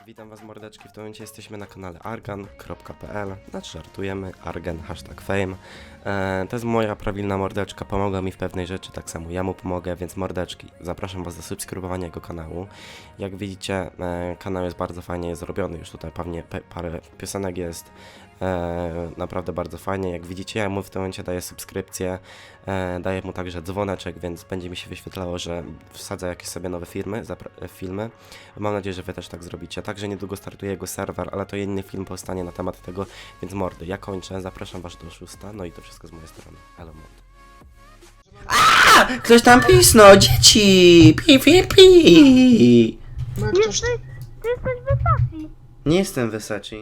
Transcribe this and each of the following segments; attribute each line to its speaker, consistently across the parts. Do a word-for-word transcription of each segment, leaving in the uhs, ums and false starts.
Speaker 1: Witam was mordeczki, w tym momencie jesteśmy na kanale argan kropka p l, znaczy żartujemy, argan, hashtag fame. E, to jest moja prawilna mordeczka, pomogła mi w pewnej rzeczy, tak samo ja mu pomogę, więc mordeczki, zapraszam was do subskrybowania jego kanału. Jak widzicie, e, kanał jest bardzo fajnie zrobiony, już tutaj pewnie pe parę piosenek jest, e, naprawdę bardzo fajnie. Jak widzicie, ja mu w tym momencie daję subskrypcję, e, daję mu także dzwoneczek, więc będzie mi się wyświetlało, że wsadzę jakieś sobie nowe firmy, filmy. Mam nadzieję, że wy też tak zrobicie. Także niedługo startuje jego serwer, ale to inny film powstanie na temat tego, więc mordy, ja kończę, zapraszam was do szósta, no i to wszystko z mojej strony. Elo mordy.
Speaker 2: A! Ktoś tam pisnął, dzieci! Pi, pi, pi!
Speaker 3: Ma ktoś...
Speaker 4: Jesteś, ty jesteś wysoki.
Speaker 2: Nie jestem Versace.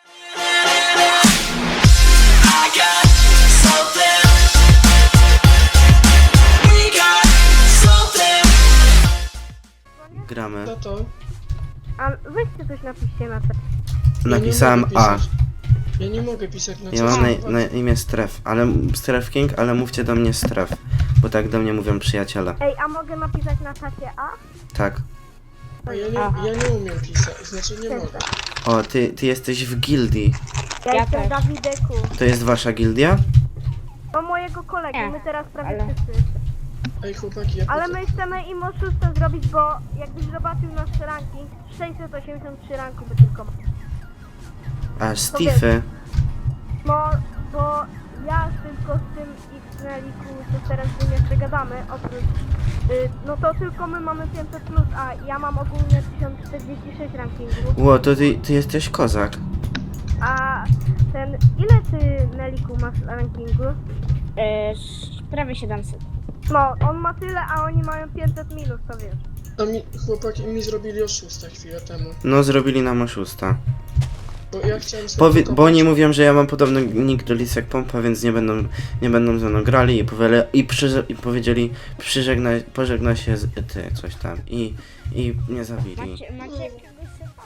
Speaker 2: Gramy.
Speaker 3: To to?
Speaker 4: A weźcie coś napiszcie na te.
Speaker 2: Napisałem
Speaker 3: Ja nie mogę
Speaker 2: A.
Speaker 3: pisać. Ja nie mogę pisać na
Speaker 2: Ja mam na, na imię Stref, ale Stref King, ale mówcie do mnie Stref, bo tak do mnie mówią przyjaciele.
Speaker 4: Ej, a mogę napisać na czacie A?
Speaker 2: Tak.
Speaker 3: A ja nie, ja nie umiem pisać, znaczy nie mogę.
Speaker 2: O, ty, ty jesteś w gildii.
Speaker 4: Ja,
Speaker 5: Ja
Speaker 4: jestem
Speaker 5: też.
Speaker 4: Dawideku.
Speaker 2: To jest wasza gildia?
Speaker 4: To mojego kolegi,
Speaker 5: Nie,
Speaker 4: my teraz prawie
Speaker 5: ale-
Speaker 4: wszyscy.
Speaker 3: Ej chłopaki, ja
Speaker 4: Ale
Speaker 3: potem-
Speaker 4: my chcemy im oszustę zrobić, bo jakbyś zobaczył nasz ranking, sześćset osiemdziesiąt trzy ranku by tylko ma.
Speaker 2: A, Stify.
Speaker 4: No, bo ja tylko z tym X-Neliku, co teraz z nim jeszcze gadamy, oprócz, y, no to tylko my mamy pięćset plus, a ja mam ogólnie tysiąc czterdzieści sześć rankingu.
Speaker 2: Ło, to ty, ty jesteś kozak.
Speaker 4: A ten, ile ty, Neliku, masz rankingu?
Speaker 5: Yy, prawie siedemset.
Speaker 4: No, on ma tyle, a oni mają pięćset minus, to wiesz.
Speaker 3: A mi, chłopaki mi zrobili oszustę chwilę temu.
Speaker 2: No, zrobili nam oszusta.
Speaker 3: Bo ja chciałem sobie
Speaker 2: Powie,
Speaker 3: wykopać-
Speaker 2: bo oni mówią, że ja mam podobny nick do Lisek Pompa, więc nie będą, nie będą ze mną grali i, powiele, i, przyże, i powiedzieli, przyżegnaj, pożegna się z ty, coś tam. I, i mnie zabili.
Speaker 5: Macie, macie jakiegoś seta?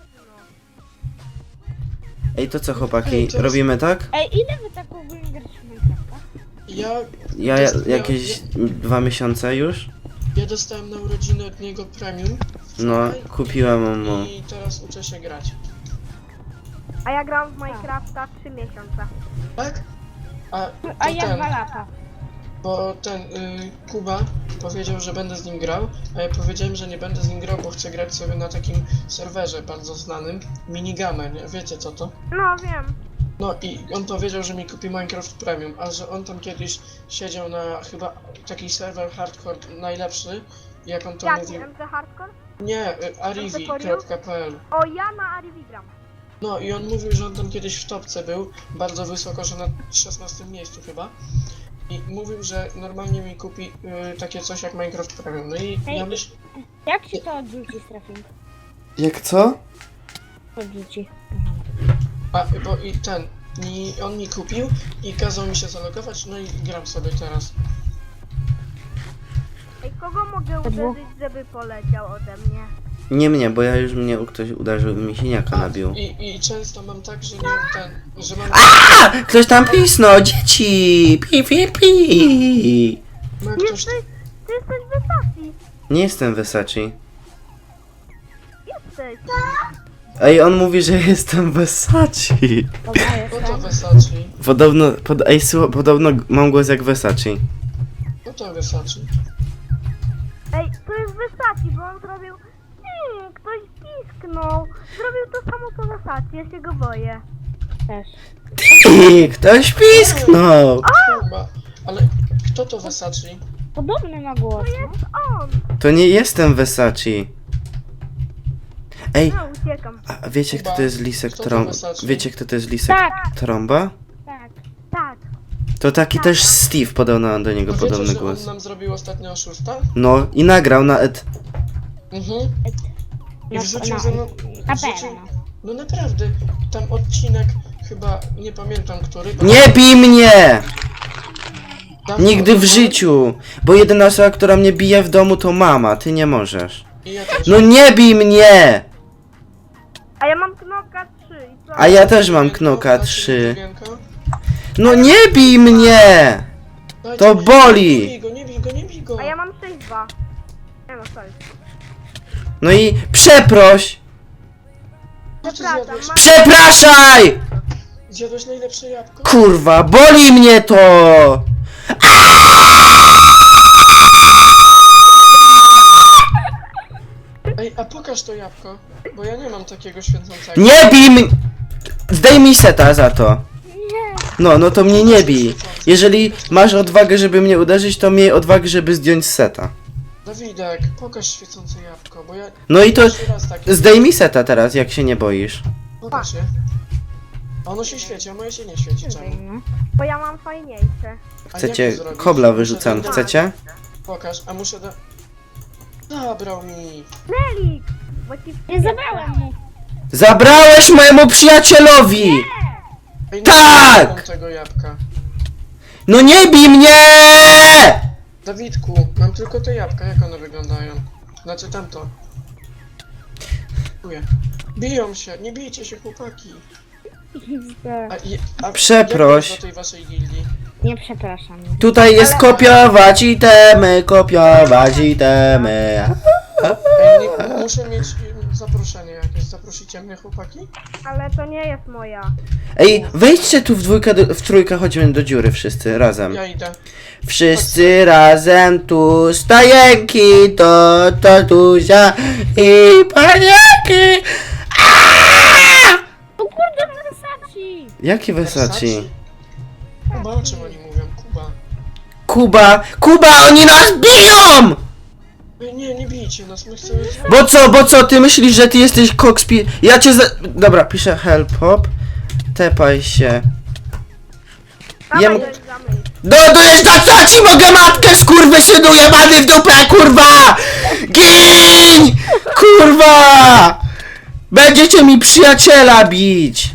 Speaker 2: Ej, to co chłopaki,
Speaker 3: Ej, teraz-
Speaker 2: robimy tak?
Speaker 5: Ej, ile wy tak ogólnie gracie w Minecrafta?
Speaker 3: Ja,
Speaker 2: Ja
Speaker 3: dost-
Speaker 2: jakieś dwa miesiące już?
Speaker 3: ja, ja dostałem na urodziny od niego premium.
Speaker 2: No,
Speaker 3: wczoraj
Speaker 2: kupiłem mu.
Speaker 3: I teraz uczę się grać.
Speaker 4: A ja gram w Minecrafta trzy miesiące.
Speaker 3: Tak? A, to
Speaker 5: A ja
Speaker 3: ten,
Speaker 5: dwa lata.
Speaker 3: bo ten y, Kuba powiedział, że będę z nim grał, a ja powiedziałem, że nie będę z nim grał, bo chcę grać sobie na takim serwerze bardzo znanym, Minigame, nie? Wiecie co to?
Speaker 4: No, wiem.
Speaker 3: No i on powiedział, że mi kupi Minecraft Premium, a że on tam kiedyś siedział na chyba taki serwer hardcore najlepszy, jak on to
Speaker 4: Jaki,
Speaker 3: mówił.
Speaker 4: M C Hardcore?
Speaker 3: Nie, y, arivi kropka p l.
Speaker 4: O, ja na Arivi gram.
Speaker 3: No i on mówił, że on tam kiedyś w topce był, bardzo wysoko, że na szesnastym miejscu chyba. I mówił, że normalnie mi kupi y, takie coś jak Minecraft Premium. No i
Speaker 5: Ej,
Speaker 3: ja myślę,
Speaker 5: Jak się to odrzuci, Strafing?
Speaker 2: Jak co?
Speaker 5: Odrzuci.
Speaker 3: a bo i ten, i on mi kupił i kazał mi się zalogować, no i gram sobie teraz.
Speaker 4: Ej, kogo mogę
Speaker 5: dwóch.
Speaker 4: uderzyć, żeby poleciał ode mnie?
Speaker 2: Nie mnie, bo ja już mnie ktoś uderzył i mi siniaka nabił.
Speaker 3: I, I często mam tak, że nie ten, że mam...
Speaker 2: A! Ktoś tam pisnął, dzieci! Pi, pi, pi!
Speaker 3: Ma ktoś...
Speaker 4: Jesteś, ty jesteś wysoki.
Speaker 2: Nie jestem Versace.
Speaker 4: Jesteś.
Speaker 2: Ej, on mówi, że jestem Versace.
Speaker 5: Dobra,
Speaker 3: No to
Speaker 5: jestem.
Speaker 3: Versace.
Speaker 2: Podobno, pod, ej, słu- podobno mam głos jak Versace.
Speaker 3: No to Versace.
Speaker 4: Ej, to jest wysoki, bo on zrobił... Hmm, ktoś pisknął. Zrobił to samo co Versace, ja się go boję.
Speaker 5: Też.
Speaker 2: Ty, ktoś pisknął!
Speaker 3: Chyba. Ale kto to Versace?
Speaker 5: Podobny ma głos,
Speaker 4: To
Speaker 5: no?
Speaker 4: jest on.
Speaker 2: To nie jestem Versace. Ej,
Speaker 4: No, uciekam.
Speaker 2: a wiecie kto to jest Lisek
Speaker 3: Kto to
Speaker 2: Trąba?
Speaker 3: Versace?
Speaker 2: Wiecie kto to jest Lisek
Speaker 5: Tak,
Speaker 2: Trąba?
Speaker 5: tak.
Speaker 4: Tak.
Speaker 2: To taki też Steve podobno do niego
Speaker 3: A wiecie,
Speaker 2: podobny
Speaker 3: że
Speaker 2: głos.
Speaker 3: on nam zrobił ostatnio oszusta?
Speaker 2: No i nagrał na et.
Speaker 3: Mhm. I
Speaker 5: Na,
Speaker 3: wrzucił
Speaker 5: na,
Speaker 3: ze mną...
Speaker 5: na
Speaker 3: wrzucił-
Speaker 5: pewno.
Speaker 3: No naprawdę, tam odcinek chyba, nie pamiętam który. bo-
Speaker 2: Nie bij mnie!
Speaker 3: Dawno
Speaker 2: Nigdy w
Speaker 3: temu.
Speaker 2: życiu! Bo jedyna osoba, która mnie bije w domu to mama, ty nie możesz.
Speaker 3: I ja też.
Speaker 2: No nie bij mnie!
Speaker 4: A ja mam knoka trzy i co?
Speaker 2: A ja też mam
Speaker 3: Drugienko,
Speaker 2: knoka
Speaker 3: dacie mi
Speaker 2: trzy.
Speaker 3: drugienko?
Speaker 2: No nie bij mnie!
Speaker 3: Dajcie
Speaker 2: To
Speaker 3: mi-
Speaker 2: boli!
Speaker 3: Nie bij go, nie bij go, nie bij go!
Speaker 4: A ja mam sześć dwa. Nie no, sorry.
Speaker 2: No i przeproś!
Speaker 3: Co ty
Speaker 4: Przepraszam,
Speaker 3: zjadłeś?
Speaker 4: mam...
Speaker 2: Przepraszaj!
Speaker 3: Zjadłeś najlepsze jabłko?
Speaker 2: Kurwa, boli mnie to!
Speaker 3: Ej, a pokaż to jabłko, bo ja nie mam takiego świecącego.
Speaker 2: Nie bij mnie! Zdejmij seta za to. No, no to mnie nie bij. Jeżeli masz odwagę, żeby mnie uderzyć, to miej odwagę, żeby zdjąć z seta.
Speaker 3: Dawidek, pokaż świecące jabłko, bo ja...
Speaker 2: No i to
Speaker 3: Pierwszy raz takie...
Speaker 2: zdejmij seta teraz, jak się nie boisz.
Speaker 3: Pokaż je. A ono się świeci, a moje się nie świeci, czemu?
Speaker 4: Bo ja mam fajniejsze.
Speaker 3: A
Speaker 2: Chcecie
Speaker 3: jak to zrobić?
Speaker 2: kobla
Speaker 3: Muszę
Speaker 2: wyrzucam,
Speaker 3: do-
Speaker 2: chcecie?
Speaker 3: Pokaż, a muszę da... Zabrał mi.
Speaker 4: Nelik! Bo ci
Speaker 5: Nie zabrałem mu.
Speaker 2: Zabrałeś mojemu przyjacielowi!
Speaker 3: Ej,
Speaker 2: Tak!
Speaker 3: Nie mam tego jabłka.
Speaker 2: No nie bij mnie!
Speaker 3: Dawidku, mam tylko te jabłka, jak one wyglądają? Znaczy tamto. Dziękuję. Biją się, nie bijcie się chłopaki. A, i- a
Speaker 2: Przeproś.
Speaker 3: jak jest do tej waszej gildii?
Speaker 5: Nie przepraszam.
Speaker 2: Tutaj jest kopiować itemy, kopiować itemy.
Speaker 3: Ej, nie, muszę mieć im zaproszenie jakieś. Zaprosicie mnie chłopaki?
Speaker 4: Ale to nie jest moja.
Speaker 2: Ej, wejdźcie tu w dwójkę, do, w trójkę, chodźmy do dziury wszyscy, razem.
Speaker 3: Ja idę.
Speaker 2: Wszyscy razem tu stajenki, to tatusia i paniaki.
Speaker 5: O kurde, Versace!
Speaker 2: Jakie Versace?
Speaker 3: Kuba, o czym oni mówią? Kuba.
Speaker 2: Kuba, Kuba, oni nas biją!
Speaker 3: Ej, nie, nie bijcie nas, my chcemy...
Speaker 2: Bo co, bo co, ty myślisz, że ty jesteś kokspir... Ja cię za... Dobra, piszę help hop. Tepaj się.
Speaker 4: Dawaj,
Speaker 2: Jem-
Speaker 4: Nelik, zamyj.
Speaker 2: Dodujesz na co ci mogę matkę, skurwysynu jebany w dupę, kurwa! Gin! Kurwa! Będziecie mi przyjaciela bić!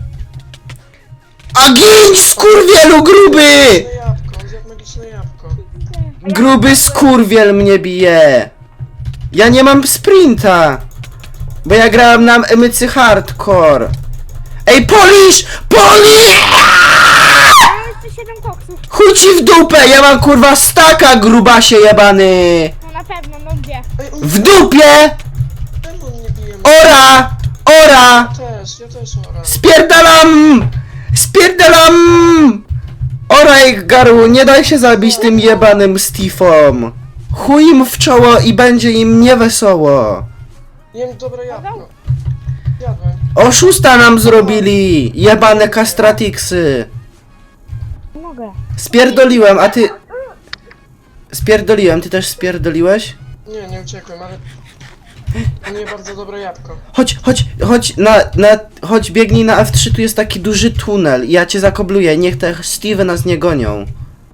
Speaker 2: A gin, skurwielu gruby!
Speaker 3: Magiczne jabłko, on zjadł magiczne jabłko.
Speaker 2: Gruby skurwiel mnie bije! Ja nie mam sprinta! Bo ja grałem na mycy hardcore! Ej, Polish! Polish!
Speaker 5: Mam jeszcze siedem koksów.
Speaker 2: Chuj ci w dupę! Ja mam kurwa staka, grubasie jebany!
Speaker 5: No na pewno, no gdzie?
Speaker 3: Ej, on...
Speaker 2: W dupie!
Speaker 3: Czemu on nie bije mnie?
Speaker 2: Ora! Ora!
Speaker 3: Też, ja też oraz.
Speaker 2: Spierdalam! Spierdalam! Oraj, Garu, nie daj się zabić tym jebanym Steve'om! Chuj im w czoło i będzie im niewesoło!
Speaker 3: Jem dobre jabłko. Jadłem.
Speaker 2: Oszusta nam zrobili! Jebane kastratiksy!
Speaker 5: Nie mogę.
Speaker 2: Spierdoliłem, a ty... Spierdoliłem, ty też spierdoliłeś?
Speaker 3: Nie, nie uciekłem, ale... On je bardzo dobre jabłko.
Speaker 2: Chodź, chodź, chodź na, na, chodź biegnij na F trzy, tu jest taki duży tunel. Ja cię zakobluję, niech te Steve'y nas nie gonią.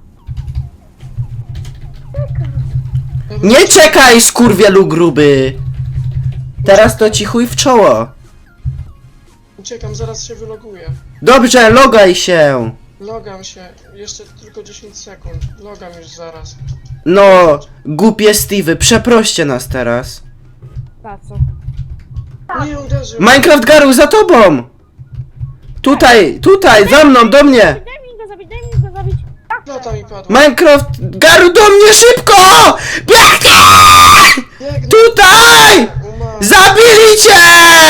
Speaker 2: Nie czekaj, skurwielu gruby! Teraz to ci chuj w czoło.
Speaker 3: Uciekam, zaraz się wyloguję.
Speaker 2: Dobrze, logaj się!
Speaker 3: Logam się. Jeszcze tylko dziesięć sekund. Logam już zaraz.
Speaker 2: No, głupie Steve'y, przeproście nas teraz.
Speaker 5: Za co?
Speaker 3: Nie uderzył.
Speaker 2: Minecraft Garu, za tobą! Tutaj, tutaj, za mną, do mnie!
Speaker 5: Daj mi go zabić, daj mi go zabić.
Speaker 3: Plata mi padła.
Speaker 2: Minecraft Garu, do mnie szybko! Biegnij!
Speaker 3: Biegnę.
Speaker 2: Tutaj!
Speaker 3: Umarł.
Speaker 2: Zabili cię!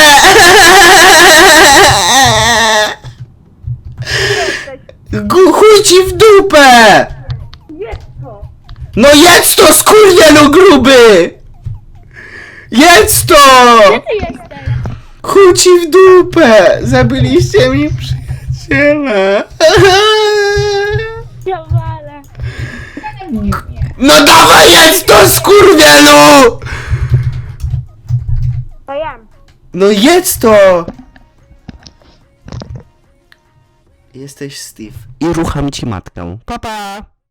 Speaker 2: Gu- Chuj ci w dupę!
Speaker 4: Jest to!
Speaker 2: No jedz to, skurwielu gruby! Jedz to!
Speaker 5: Gdzie ty jesteś?
Speaker 2: Chuj ci w dupę! Zabiliście mi przyjaciela!
Speaker 5: Ja walę.
Speaker 2: No dawaj jedz to, skurwielu!
Speaker 4: To jem.
Speaker 2: No jedz to! Jesteś Steve. I rucham ci matkę. Papa!